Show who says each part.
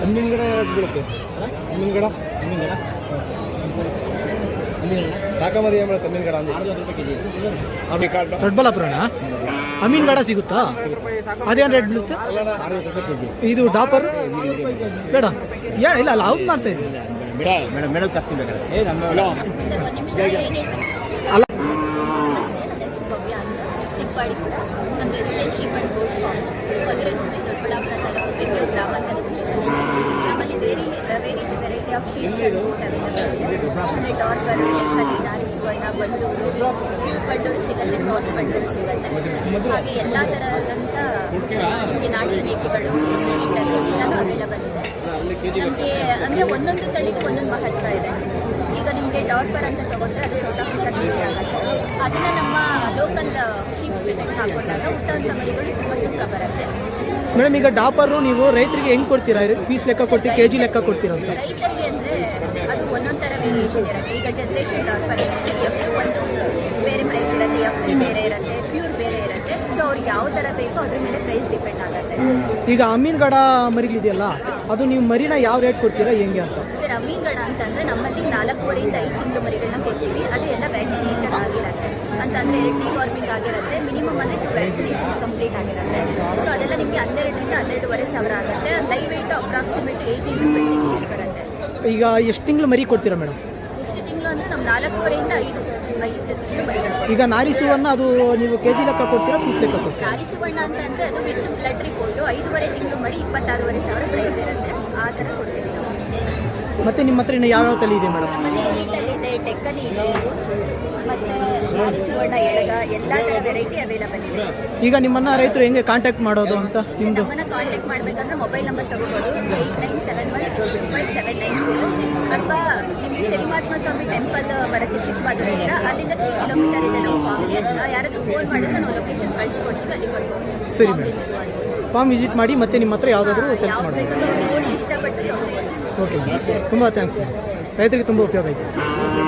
Speaker 1: ಹಣ್ಣಿನ ಗಿಡ ಬೀಳುತ್ತೆ. ಹಣ್ಣಿನ ಗಿಡ ಸಾಕಮರಿ ಏನು ಹಣ್ಣಿನ ಗಿಡ ಅಂದ್ರೆ 60 ರೂಪಾಯಿ ಕೆಜಿ.
Speaker 2: ದೊಡ್ಡಬಳ್ಳಾಪುರನ ಅಮೀನ್ ಗಾಡ ಸಿಗುತ್ತಾ? ಅದೇನು ರೇಟ್ ಬೀಳುತ್ತೆ?
Speaker 1: 60 ರೂಪಾಯಿ ಕೆಜಿ.
Speaker 2: ಇದು ಡಾಪರ್ ಬೇಡ ಇಲ್ಲ ಅಲ್ಲ ಅವ್ರು ಮಾಡ್ತಾ ಇದ್ದೀವಿ
Speaker 1: ಮೇಡಮ್ ಮೇಡಮ್ ಜಾಸ್ತಿ ಬೇಕಾದ್ರೆ
Speaker 2: ಅಲ್ಲ.
Speaker 3: ಭವ್ಯ ಅಂತ ಸಿಂಪಾಡಿ ಕೂಡ ನಮ್ಮದು ಎಸ್ಟೇನ್ಶಿಪ್ ಅಂಡ್ ಬೋರ್ಡ್ ಫಾರ್ಮ್ ಮಧುರೆ ಹೋಬಳಿ ದೊಡ್ಡಬಳ್ಳಾಪುರ ತಾಲೂಕು ಬೆಂಗಳೂರು ಗ್ರಾಮಾಂತರ ಜಿಲ್ಲೆ. ನಮ್ಮಲ್ಲಿ various variety of sheets and boat available ಇದೆ. ಅಂದರೆ ಡಾರ್ಬರ್, ಡೆಕ್ಕಲಿ, ನಾರಿ ಸುವರ್ಣ, ಬಂಡೂರು, ಬಂಡೂರು ಸಿಗುತ್ತೆ, ಕ್ರಾಸ್ ಬಂಡೂರು ಸಿಗುತ್ತೆ. ಹಾಗೆ ಎಲ್ಲ ಥರದಂಥ ನಿಮಗೆ ನಾಟಿ ಮೇಕೆಗಳು, ಮೀಟರು ಎಲ್ಲನೂ ಅವೈಲಬಲ್ ಇದೆ. ನಮಗೆ ಅಂದರೆ ಒಂದೊಂದು ತಳಿಗೂ ಒಂದೊಂದು ಮಹತ್ವ ಇದೆ. ಈಗ ನಿಮಗೆ ಡಾರ್ಬರ್ ಅಂತ ತೊಗೊಂಡ್ರೆ ಅದು ಸೌತ್ ಆಫ್ರಿಕಾ ಮರಿ ಆಗುತ್ತೆ. ಅದನ್ನು ನಮ್ಮ ಲೋಕಲ್ ಶೀಪ್ಸ್ ಜೊತೆಗೆ ಹಾಕೊಂಡಾಗ ಹುಟ್ಟಂಥ ಮರಿಗಳು ತುಂಬ ತೂಕ ಬರುತ್ತೆ.
Speaker 2: ಮೇಡಮ್ ಈಗ ಡಾಪರು ನೀವು ರೈತರಿಗೆ ಹೆಂಗೆ ಕೊಡ್ತೀರಾ? ಪೀಸ್ ಲೆಕ್ಕ ಕೊಡ್ತೀರಾ, ಕೆ ಜಿ ಲೆಕ್ಕ ಕೊಡ್ತೀರಾ ಅಂತ?
Speaker 3: ರೈತರಿಗೆ ಅಂದರೆ ಅದು ಒಂದೊಂದು ಥರ ವೇರಿಯೇಷನ್ ಇರುತ್ತೆ. ಈಗ ಜನರೇಷನ್ ಡಾರ್ಬರ್ ಇರುತ್ತೆ, ಎಫ್ ಒಂದು ಬೇರೆ ಪ್ರೈಸ್ ಇರುತ್ತೆ, ಎಫ್ ಬೇರೆ ಇರುತ್ತೆ, ಪ್ಯೂರ್ ಬೇರೆ ಇರುತ್ತೆ. ಸೊ ಅವ್ರು ಯಾವ ಥರ ಬೇಕೋ ಅದ್ರ ಮೇಲೆ ಪ್ರೈಸ್ ಡಿಪೆಂಡ್ ಆಗುತ್ತೆ.
Speaker 2: ಈಗ ಅಮೀನ್ ಗಾಡ ಮರಿಗಳಿದೆಯಲ್ಲ, ಅದು ನೀವು ಮರಿನ ಯಾವ ರೇಟ್ ಕೊಡ್ತೀರಾ ಹೆಂಗೆ ಅಂತ?
Speaker 3: ಸರ್, ಅಮೀನ್ ಗಾಡ ಅಂತಂದರೆ ನಮ್ಮಲ್ಲಿ 4 ಇಂದ 5 ತಿಂಗಳು ಮರಿಗಳನ್ನ ಕೊಡ್ತೀವಿ. ಅದು ಎಲ್ಲ ವ್ಯಾಕ್ಸಿನೇಟೆಡ್ ಆಗಿರುತ್ತೆ. ಅಂತಂದರೆ ಡಿವಾರ್ಮಿಂಗ್ ಆಗಿರುತ್ತೆ. ಮಿನಿಮಮ್ ಅಂದರೆ 2 ವ್ಯಾಕ್ಸಿನೇಷನ್ಸ್ ಕಂಪ್ಲೀಟ್ ಆಗಿರುತ್ತೆ. ಸೊ ಅದೆಲ್ಲ ನಿಮಗೆ 12,000 ರಿಂದ 12,500 ಆಗುತ್ತೆ. Live weight approximate 18 to 20 kg ಬರುತ್ತೆ.
Speaker 2: ಈಗ ಎಷ್ಟು ತಿಂಗಳು ಮರಿ ಕೊಡ್ತೀರಾ ಮೇಡಮ್?
Speaker 3: ಎಷ್ಟು ತಿಂಗಳು ಅಂದರೆ ನಮ್ಮ 4 ಇಂದ 5 ತಿಂಗಳು ಮರಿಗಳು.
Speaker 2: ಈಗ ನಾರಿ ಸುವರ್ಣ ಅದು ನೀವು ಕೆ ಜಿ ಲೆಕ್ಕ ಕೊಡ್ತೀರಾ, ಪೀಸ್ ಲೆಕ್ಕ ಕೊಡ್ತೀರಾ?
Speaker 3: ನಾರಿ ಸುವರ್ಣ ಅಂತಂದರೆ ಅದು ವಿತ್ ಬ್ಲಡ್ ರಿಪೋರ್ಟು 5.5 ತಿಂಗಳು ಮರಿ 26,500 ಪ್ರೈಸ್ ಇರುತ್ತೆ. ಆ ಥರ ಕೊಡ್ತೀವಿ ನಾವು.
Speaker 2: ಮತ್ತೆ ನಿಮ್ಮ ಹತ್ರ ಇನ್ನು ಯಾವ್ಯಾವ ತಳಿ ಇದೆ ಮೇಡಮ್?
Speaker 3: ನಮ್ಮಲ್ಲಿ ಮೀಟಲ್ಲಿ ಇದೆ, ಡೆಕ್ಕನಿ ಇದೆ, ಮತ್ತು ನಾರಿ ಸುವರ್ಣ ಎಡಗ, ಎಲ್ಲ ಥರ ವೆರೈಟಿ ಅವೈಲಬಲ್ ಇದೆ.
Speaker 2: ಈಗ ನಿಮ್ಮನ್ನ ರೈತರು ಹೆಂಗೆ ಕಾಂಟ್ಯಾಕ್ಟ್ ಮಾಡೋದು ಅಂತ? ನಿಮ್ಮದು
Speaker 3: ನಮ್ಮನ್ನು ಕಾಂಟ್ಯಾಕ್ಟ್ ಮಾಡಬೇಕಂದ್ರೆ ಮೊಬೈಲ್ ನಂಬರ್ ತಗೋಬೋದು 8971625790. ಅಥವಾ ನಿಮಗೆ ಶನಿಮಹಾತ್ಮ ಸ್ವಾಮಿ ಟೆಂಪಲ್ ಬರುತ್ತೆ ಚಿಕ್ಕಮಗಳೂರಿಂದ. ಅಲ್ಲಿಂದ 3 ಕಿಲೋಮೀಟರ್ ಇದೆ ನಮ್ಮ ಫಾರ್ಮ್ಗೆ. ಯಾರಾದರೂ ಫೋನ್ ಮಾಡಿದ್ರೆ ನಾವು ಲೊಕೇಶನ್ ಕಳಿಸ್ಕೊಡ್ತೀವಿ, ಅಲ್ಲಿ ಬರ್ಬೋದು.
Speaker 2: ಸರಿ
Speaker 3: ಫಾರ್ಮ್
Speaker 2: ಮೇಡಮ್.
Speaker 3: ವಿಸಿಟ್ ಮಾಡ್ಬೋದು.
Speaker 2: ಫಾರ್ಮ್ ವಿಸಿಟ್ ಮಾಡಿ ಮತ್ತೆ ನಿಮ್ಮ ಹತ್ರ ಯಾವುದಾದ್ರೂ ಸೆಲೆಕ್ಟ್
Speaker 3: ಯಾವ್ದು
Speaker 2: ಮಾಡೋದು.
Speaker 3: ಬೇಕಂದ್ರೆ ನೋಡಿ ಇಷ್ಟಪಟ್ಟು ತಗೋಬೋದು.
Speaker 2: ಓಕೆ, ತುಂಬ ಥ್ಯಾಂಕ್ಸ್. ರೈತರಿಗೆ ತುಂಬ ಉಪಯೋಗ ಆಯಿತು.